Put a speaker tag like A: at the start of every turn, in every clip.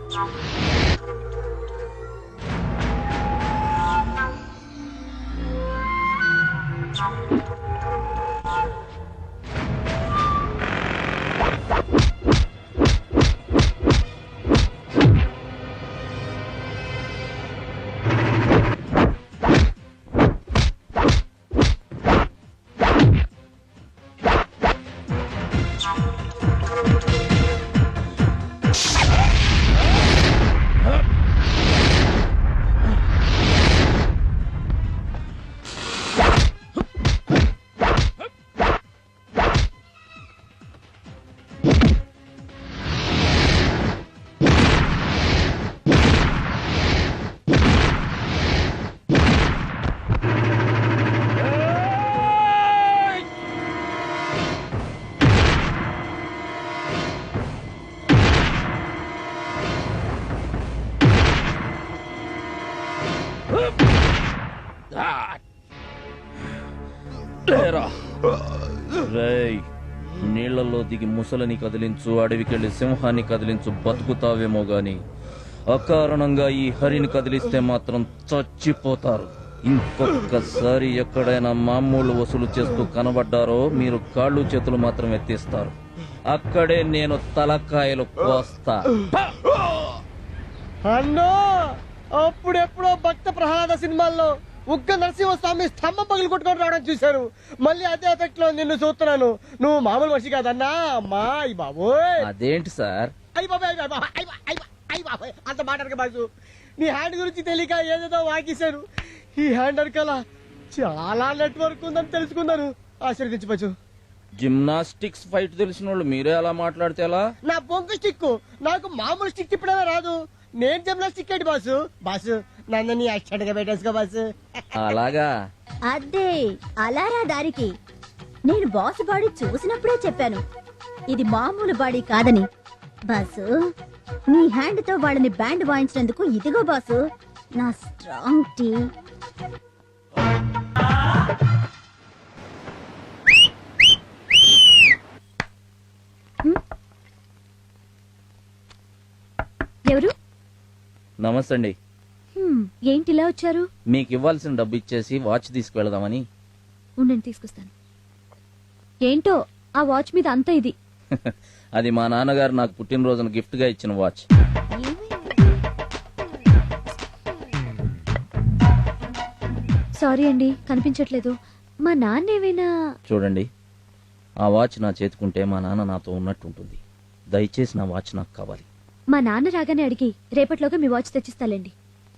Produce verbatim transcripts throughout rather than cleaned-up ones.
A: నీళ్లలో దిగి ముసలిని కదిలించు, అడవికెళ్లి సింహాన్ని కదిలించు, బతుకుతావేమో గాని అకారణంగా ఈ హరిని కదిలిస్తే మాత్రం చచ్చిపోతారు. ఇంకొకసారి ఎక్కడైనా మామూలు వసూలు చేస్తూ కనబడ్డారో మీరు కాళ్ళు చేతులు మాత్రం ఎత్తిస్తారు. అక్కడే నేను తలకాయలు కోస్తా.
B: అన్నో అప్పుడెప్పుడో భక్త ప్రహ్లాద సినిమాల్లో ఉగ్గ నరసింహస్వామి స్తంభం పగులు కొట్టుకొని రావడం చూశాను. మళ్ళీ అదే ఎఫెక్ట్ లో నిన్ను చూస్తున్నాను. నువ్వు మామూలు మనిషి కాదన్నా. అమ్మా అయ్యి బాబోయ్.
A: అదేంటి సార్?
B: అయ్యి బాబాయ్ అయ్యి బాబాయ్ అంత మాట్లాడక బాజు. నీ హ్యాండ్ గురించి తెలియక ఏదేదో వాకిశాను. ఈ హ్యాండ్ అరకల చాలా నెట్వర్క్ ఉందని తెలుసుకున్నాను. ఆశీర్వదించవచ్చు.
A: జిమ్నాస్టిక్స్ ఫైట్ తెలిసిన వాళ్ళు మీరే అలా మాట్లాడితే ఎలా?
B: నా బొంగు స్టిక్ నాకు మామూలు స్టిక్ తిప్పడమే రాదు. నేను జిమ్నాస్టిక్ ఏంటి బాసు? బాసు నన్ను యాక్సిడెంట్ గా పెట్టేసుకో బాసు.
A: అలాగా?
C: అదే అలారా దారికి. నేను బాస్ బాడీ చూసినప్పుడే చెప్పాను ఇది మామూలు బాడీ కాదని. బాసు నీ హ్యాండ్ తో వాళ్ళని బ్యాండ్ వాయించినందుకు ఇదిగో బాసు నా స్ట్రాంగ్ టీ. ఎవరు?
A: నమస్తే అండి.
C: ఏంటి ఇలా వచ్చారు?
A: మీకు ఇవ్వాల్సిన డబ్బు ఇచ్చేసి వాచ్ తీసుకువెళదామని.
C: ఉండండి తీసుకొస్తాను. ఏంటో ఆ వాచ్ మీద అంత ఇది.
A: అది మా నాన్నగారు నాకు పుట్టినరోజున గిఫ్ట్ గా ఇచ్చిన వాచ్.
C: సారీ అండి కనిపించట్లేదు. మా నాన్న ఏమైనా?
A: చూడండి ఆ వాచ్ నా చేతుకుంటే మా నాన్న నాతో ఉన్నట్టు ఉంటుంది. దయచేసి నా వాచ్ నాకు కావాలి.
C: మా నాన్న రాగానే అడిగి రేపట్లోగా మీ వాచ్ తెచ్చిస్తాలేండి.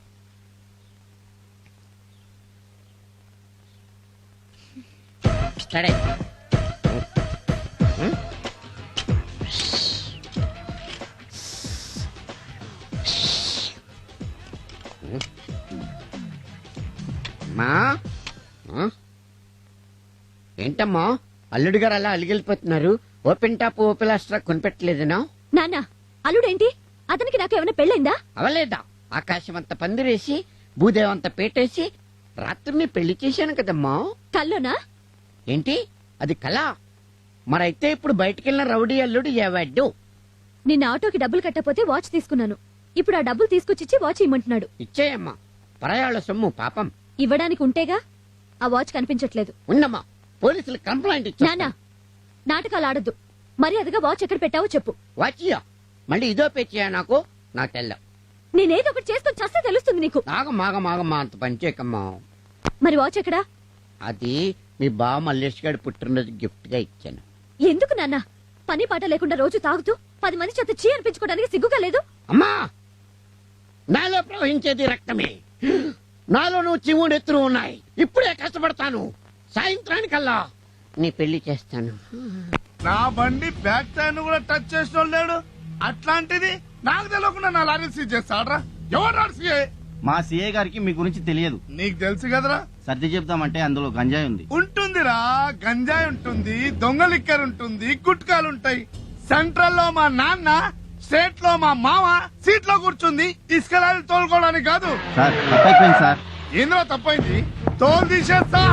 D: ఏంటమ్మా అల్లుడు గారు అలా అలిగిలిపోతున్నారు? Open top ఓపెలాస్ట్రా కొనిపెట్టలేదనా?
C: నాన్న అల్లుడేంటి? అతనికి నాకు ఏమైనా పెళ్ళైందా?
D: అవలేదా? ఆకాశం అంత పందిరేసి భూదేవంత పేటేసి రాత్రిని పెళ్లి చేశాను కదమ్మా.
C: కల్లోనా?
D: ఏంటి అది కళ? మరైతే ఇప్పుడు బయటికెళ్ళిన రౌడీ అల్లుడు ఏవాడు?
C: నిన్న ఆటోకి డబ్బులు కట్టపోతే వాచ్ తీసుకున్నాను. ఇప్పుడు ఆ డబ్బులు తీసుకొచ్చిచ్చి వాచ్ ఇమ్మంటున్నాడు.
D: ఇచ్చేయమ్మా, పరాయాళ్ళ సొమ్ము పాపం.
C: ఇవ్వడానికి ఉంటేగా. ఆ వాచ్ కనిపించట్లేదు.
D: ఉన్నమ్మా, పోలీసులు కంప్లైంట్ ఇచ్చా.
C: నానా నాటకాలు ఆడద్దు. మరి అదిగా వాచ్ ఎక్కడ పెట్టావో చెప్పు.
D: వాచియా మళ్ళీ ఇదో పేచియా? నాకు నాకు తెల్ల.
C: నేనేదో ఒకటి చేసుకొని చస్తే తెలుస్తుంది నీకు.
D: నాగ మాగ మాగమ్మా అంత పనిచేయకమ్మా.
C: మరి వాచ్ ఎక్కడా?
D: అది మీ బావ మల్లేష్ గారి పుట్టినరోజు గిఫ్ట్ గా ఇచ్చాను.
C: ఎందుకు నాన్న? పని పాట లేకుండా రోజు తాగుతూ పది మంది చేత చీ అనిపించుకోవడానికి సిగ్గుగా లేదు?
D: అమ్మా, నాలో ప్రవహించేది రక్తమే. నాలో నువ్వు చివుడెత్తులు ఉన్నాయి. ఇప్పుడే కష్టపడతాను. సాయంత్రానికల్లా నీ పెళ్లి చేస్తాను.
E: నా బండి బ్యాక్ టైర్ కూడా టచ్ చేసిన లేడు. అట్లాంటిది నాకు తెలియకుండా నా లారీ సీజ్ చేస్తాడ్రా. ఎవరు సీఏ?
F: మా సీఏ గారికి మీ గురించి తెలియదు.
E: నీకు తెలుసు కదరా.
F: సర్ది చెప్తామంటే అందులో గంజాయి ఉంది.
E: ఉంటుందిరా, గంజాయి ఉంటుంది, దొంగ లిక్కర్ ఉంటుంది, గుట్కాలుంటాయి. సెంట్రల్ లో మా నాన్న, స్టేట్ లో మా మామ సీట్ లో కూర్చుంది ఇసుక లారీ తోలుకోవడానికి కాదు.
F: సార్ తప్పైపోయింది సార్.
E: ఏంద్రా తప్పైంది? తోలు తీసేస్తా.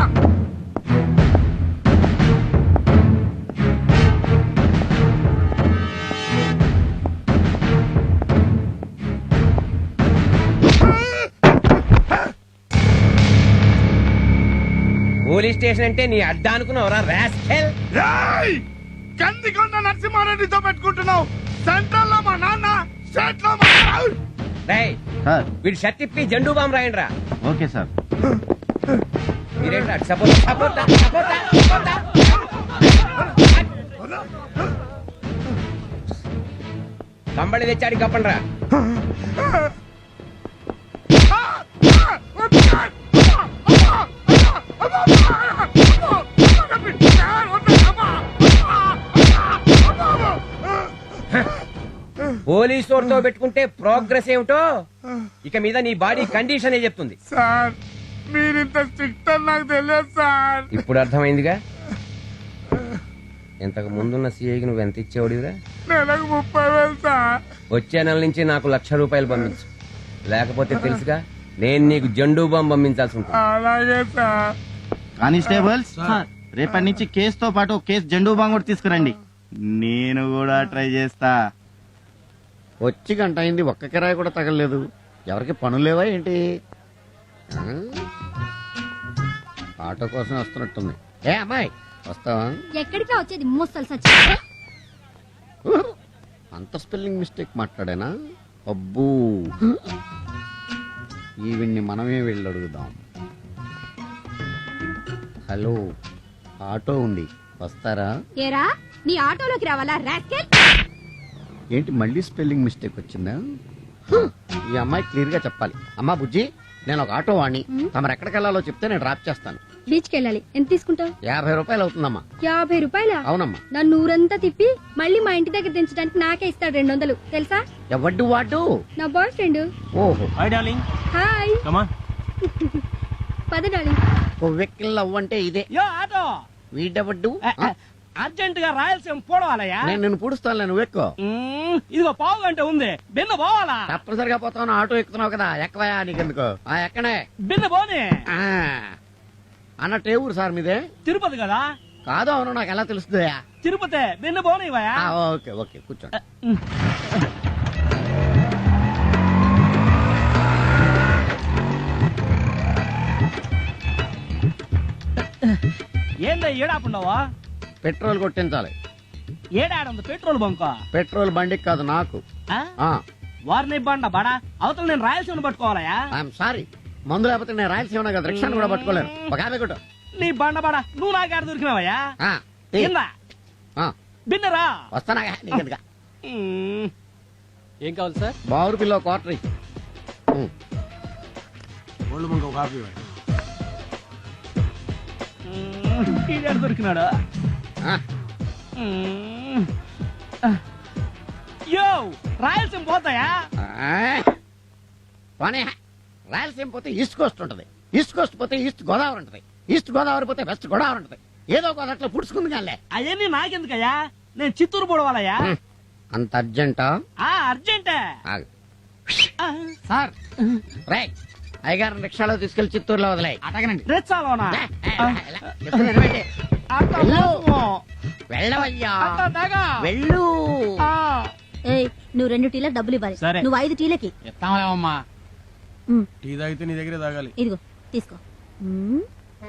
G: పోలీస్ స్టేషన్ అంటే నీ అడ్డా అనుకున్నావురా రాస్కెల్.
E: ఏయ్! కందికొండ నరసింహారెడ్డితో పెట్టుకుంటున్నావు. సెంట్రల్ లో మా నాన్న, స్టేట్ లో మా
G: రేయ్
F: సార్
G: వీడు షర్ట్ ఇప్పి జెండూ బాంబు రాయండి రా.
F: Okay sir.
G: మీరేంట్రా సపోర్ట్ సపోర్ట్ సపోర్ట్ సపోర్ట్ కంబళి తెచ్చాడి కప్పండి రా. పోలీసు వాడితో పెట్టుకుంటే ప్రోగ్రెస్ ఏమిటో ఇక మీద నీ బాడీ కండిషన్ ఏ చెప్తుంది.
E: సార్ మీరింత స్ట్రిక్ట్ అని నాకు తెలియదు సార్.
G: ఇప్పుడు అర్థమైందిగా. ఇంతకు ముందున్న సీఐకి నువ్వు ఎంత ఇచ్చేవాడివిరా?
E: నెలకు ముప్పై వేలు సార్.
G: వచ్చే నెల నుంచి నాకు లక్ష రూపాయలు పంపించు, లేకపోతే తెలుసుగా నేను నీకు జెండూ బాంబు పంపించాల్సి ఉంటుంది.
E: అలాగే సార్.
F: కానిస్టేబుల్స్ రేపటి నుంచి కేసుతో పాటు ఒక కేసు జెండూ బాంగ్ కూడా తీసుకురండి. నేను కూడా ట్రై చేస్తా.
D: వచ్చి గంట అయింది, ఒక్క కిరాయి కూడా తగలలేదు. ఎవరికి పనులు లేవా ఏంటి? ఆ? ఆటో కోసం వస్తున్నట్టుంది. ఏ అమ్మాయి వస్తావా?
C: ఎక్కడికి వచ్చేది ముసలు సచ్చి
D: అంత స్పెల్లింగ్ మిస్టేక్ మాట్లాడానా? అబ్బూ, ఈవిడ్ని మనమే వెళ్ళి అడుగుదాం. హలో, ఆటో ఉంది, వస్తారా?
C: ఏరా నీ ఆటోలోకి రావాలా రాస్కెల్?
D: ఏంటి మళ్ళీ స్పెల్లింగ్ మిస్టేక్ వచ్చిందా? ఈ అమ్మాయి క్లియర్ గా చెప్పాలి. అమ్మా బుజ్జి, నేను ఒక ఆటో వాణ్ణి, తమరు ఎక్కడికి వెళ్ళాలో చెప్తే నేను డ్రాప్ చేస్తాను.
H: బీచ్కి వెళ్ళాలి. ఎంత తీసుకుంటావు?
D: యాభై రూపాయలు అవుతుందమ్మా.
H: యాభై రూపాయల?
D: అవునమ్మా.
H: నన్ను ఊరంతా తిప్పి మళ్ళీ మా ఇంటి దగ్గర దించడానికి నాకే ఇస్తాడు రెండు వందలు తెలుసా?
D: ఎవడ్డు వాడు?
H: నా బాయ్ ఫ్రెండ్.
D: ఓహో,
H: హాయ్ పద డార్లింగ్.
D: వెక్కిల్ అవ్వంటే ఇదే.
I: యో ఆటో
D: వీడెవడ్డు?
I: అర్జెంట్ గా రాయలసీమ పోవాలయ్యా.
D: నేను నిన్ను పూడుస్తాను, నువ్వు ఎక్కువ.
I: మ్మ్, ఇదిగో పావు గంట ఉంది, బిన్న పోవాలా?
D: తప్పనిసరిగా పోతాను, ఆటో ఎక్కుతున్నావు కదా, ఎక్కవయా నీకెందుకు? ఆ ఎక్కనే.
I: బిన్న పోనీ.
D: ఆ, అన్నట్టు ఏ ఊరు సార్ మీదే?
I: తిరుపతి కదా?
D: కాదు, అవును, నాకు ఎలా తెలుస్తుందయా?
I: తిరుపతి, బిన్న పోనీవయ్యా.
D: ఆ, ఓకే ఓకే, కూర్చోండి.
I: ఏందా ఏడాపుండవా?
D: పెట్రోల్ కొట్టించాలి.
I: ఏడాడుంది పెట్రోల్ బంక్?
D: పెట్రోల్ బండికి కాదు, నాకు. ఆ,
I: వారిని బండ బడా అవతల నేను రాయలసీమ పట్టుకోవాలయా?
D: ఐఎమ్ సారీ, మందు లేకపోతే నేను రాయలసీమ కదా, రిక్షాను కూడా పట్టుకోలేను. ఒక యాభై కొట్టు.
I: నీ బండ బడా నువ్వు నాకాడ దొరికినావయ్యా?
D: ఆ, తీ.
I: ఏందా
D: ఆ,
I: బిన్నరా?
D: వస్తానా నీకెందుగా?
I: మ్మ్.
G: ఏం కావాలి సార్?
D: బావురు పిల్ల క్వార్టర్ ఇయ్యి. ఉమ్.
I: మ్మ్, ఈడాడు దొరికినాడా?
D: ఆ,
I: మ్మ్. యో రాయలసీమ పోతాయా?
D: ఆ. పోనీ, రాయలసీమ పోతే ఈస్ట్ కోస్ట్ ఉంటది, ఈస్ట్ కోస్ట్ పోతే ఈస్ట్ గోదావరి ఉంటది, ఈస్ట్ గోదావరి పోతే వెస్ట్ గోదావరి ఉంటది. ఏదో ఒక అట్లా పుడుచుకుంది కానీ.
I: అవన్నీ నాకెందుకయ్యా? నేను చిత్తూరు పోవాలయ్యా.
D: అంత అర్జెంటా?
I: ఆ అర్జెంటే.
D: ఆగు.
I: ఆ,
D: సార్ రే, అయ్యగారిని రిక్షాలో తీసుకెళ్లి చిత్తూరులో వదిలే.
I: అటగనండి రెచ్చాలోనా?
D: వెళ్ళవయ్యా, వెళ్ళు.
C: ఏయ్ నువ్వు రెండు టీలకు డబ్బులు ఇవ్వాలి.
I: సరే.
C: నువ్వు ఐదు టీలకి.
I: ఎత్తామలేమమ్మా.
C: ఉమ్,
E: టీ తాగితే నీ దగ్గరే తాగాలి.
C: ఇదిగో తీసుకో. ఉమ్.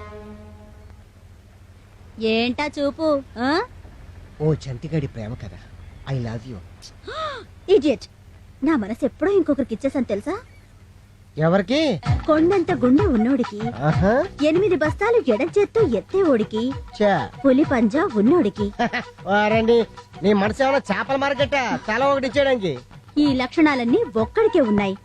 C: ఏంటా చూపు? ఆ?
B: ఓ చంటిగాడి ప్రేమ కదా. I love you.
C: ఇడియట్, నా మనసు ఎప్పుడో ఇంకొకరికి ఇచ్చేసాను తెలుసా?
B: ఎవరికి?
C: కొండంత గుండె ఉన్నోడికి,
B: ఆహా.
C: ఎనిమిది బస్తాలు ఎడం చేత్తో ఎత్తే ఓడికి,
B: చా.
C: పులి పంజా ఉన్నోడికి.
B: వారండి, నీ మనసు ఏమైనా చేపల మార్కెట్ తల ఒకటి ఇచ్చేయడానికి?
C: ఈ లక్షణాలన్నీ ఒక్కడికే ఉన్నాయి.